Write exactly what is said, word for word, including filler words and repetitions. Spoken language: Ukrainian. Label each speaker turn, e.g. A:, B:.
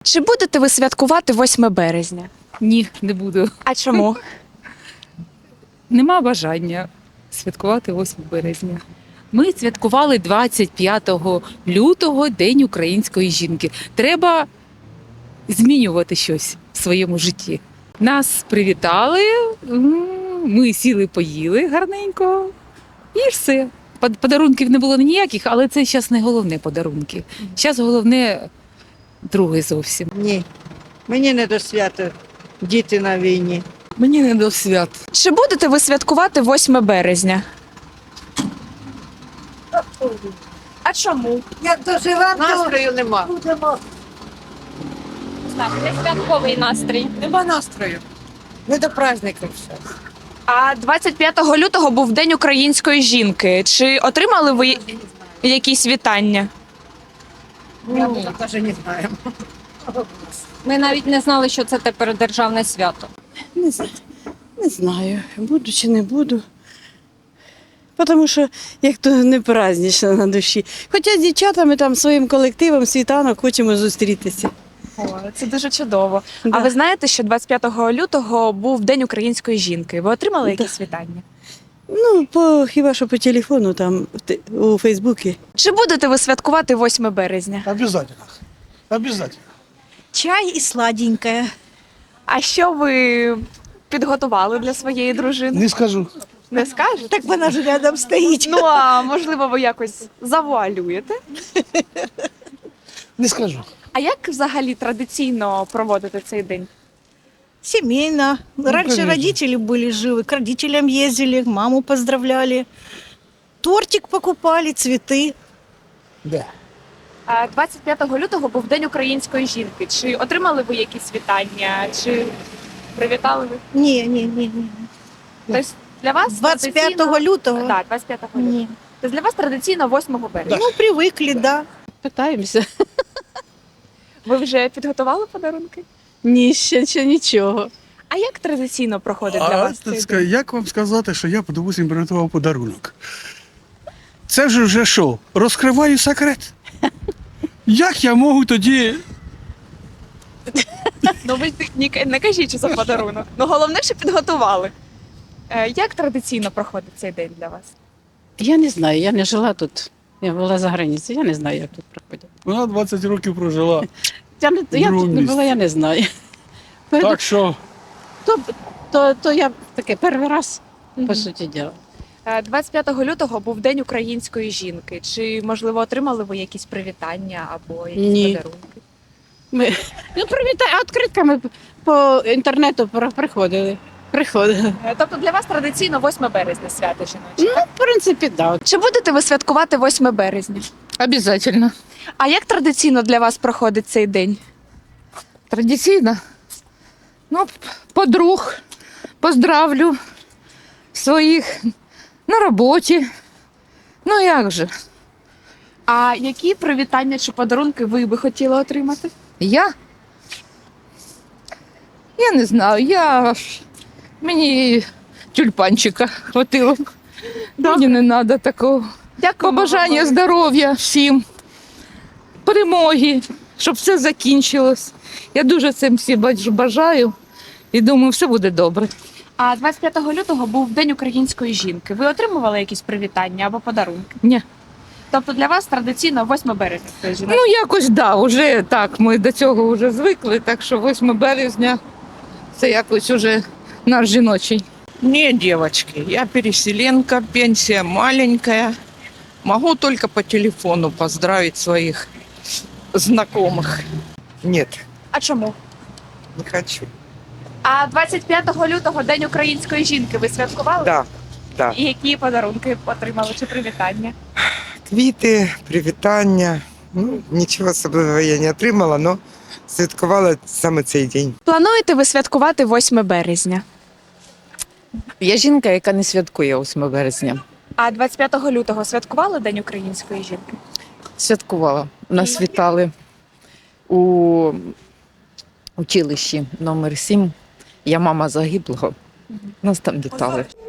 A: Чи будете ви святкувати восьме березня?
B: Ні, не буду.
A: А чому?
B: Нема бажання святкувати восьме березня. Ми святкували двадцять п'ятого лютого День української жінки. Треба змінювати щось в своєму житті. Нас привітали, м, ми сіли, поїли гарненько і все. Под- Подарунків не було ніяких, але це зараз не головне подарунки. Зараз головне друге зовсім.
C: Ні, мені не до свята. Діти на війні.
D: Мені не до свят.
A: Чи будете ви святкувати восьме березня? А чому?
C: Як доживемо, настрою нема.
A: Святковий настрій.
C: Нема настрою. Не до праздників все.
A: А двадцять п'ятого лютого був День української жінки. Чи отримали ви якісь вітання?
C: Я навіть не знаємо.
E: Ми навіть не знали, що це тепер державне свято.
D: Не, з- не знаю, буду чи не буду. Тому що як то не празднично на душі. Хоча з дівчатами там своїм колективом світанок хочемо зустрітися.
A: О, це дуже чудово.
D: Да.
A: А ви знаєте, що двадцять п'ятого лютого був День української жінки? Ви отримали
D: Да.
A: якісь вітання?
D: Ну, по, хіба що по телефону, там в те- у Фейсбуці.
A: Чи будете ви святкувати восьме березня?
F: Обязательно. Обязательно.
G: Чай и сладенькое.
A: А що ви підготували для своєї дружини?
F: Не скажу.
A: Не скажете?
G: Так вона ж рядом стоїть.
A: Ну а можливо, ви якось завуалюєте?
F: Не скажу.
A: А як взагалі традиційно проводити цей день?
G: Семейно. Раньше
F: конечно.
G: родители были живы, к родителям ездили, маму поздравляли. Тортик покупали, цветы.
F: Да.
A: А двадцять п'ятого лютого був День української жінки. Чи отримали ви якісь вітання? Чи привітали ви?
G: Не, не, не, не.
A: Тобто для вас
G: двадцять п'ятого
A: традиційно-
G: лютого?
A: Так, двадцять п'ятого лютого.
G: Не.
A: Тобто для вас традиційно восьмого березня.
G: Ну, привыкли, да.
D: Питаємося.
A: Ви вже підготували подарунки?
D: Ні, ще, ще нічого.
A: А як традиційно проходить для
F: А
A: вас цей
F: ска-
A: день?
F: як вам сказати, що я, допустим, приготував подарунок? Це ж вже що? Розкриваю секрет. Як я можу тоді.
A: Ну ви не, не кажіть, що за подарунок. Ну головне, що підготували. Е, Як традиційно проходить цей день для вас?
H: Я не знаю, я не жила тут. Я була за границею, я не знаю, як тут проходять.
F: Вона двадцять років прожила.
H: Я, не, я
F: другому
H: тут не була,
F: місці.
H: я не знаю.
F: Так що
H: То, то, то я таке перший раз, по суті діла.
A: Е, двадцять п'ятого лютого був День української жінки. Чи, можливо, отримали ви якісь привітання або якісь
H: Ні.
A: подарунки?
H: Ми, ну, привітай, а відкритками по інтернету про- приходили. Приходили.
A: Е, Тобто для вас традиційно восьме березня свято жіноче.
H: Ну, в принципі, так. Да.
A: Чи будете ви святкувати восьме березня?
B: Обязательно.
A: А як традиційно для вас проходить цей день?
B: Традиційно. Ну, подруг поздравлю своїх на роботі. Ну як же?
A: А які привітання чи подарунки ви би хотіли отримати?
B: Я? Я не знаю, я ж- мені тюльпанчика хватило. Мені не треба такого.
A: Дякую.
B: Побажання здоров'я всім, перемоги, щоб все закінчилось. Я дуже цим всім бач- бажаю і думаю, все буде добре.
A: А двадцять п'ятого лютого був День української жінки. Ви отримували якісь привітання або подарунки?
B: Ні.
A: Тобто для вас традиційно восьме березня це жіноче?
B: Ну, якось да, вже так, ми до цього вже звикли, так що восьме березня це якось уже наш жіночий.
I: Не, девочки, я переселенка, пенсия маленькая. Могу только по телефону поздравить своих знакомых. Нет,
A: А чому?
I: не хочу.
A: А двадцять п'ятого лютого День української жінки ви святкували?
I: Да, да.
A: І які подарунки отримали чи привітання?
J: Квіти, привітання. Ну, нічого особливого я не отримала, але святкувала саме цей день.
A: Плануєте ви святкувати восьме березня?
K: Я жінка, яка не святкує восьме березня.
A: А двадцять п'ятого лютого святкували День української жінки?
K: Святкувала. Нас вітали у училищі номер сім. Я мама загиблого. Нас там вітали.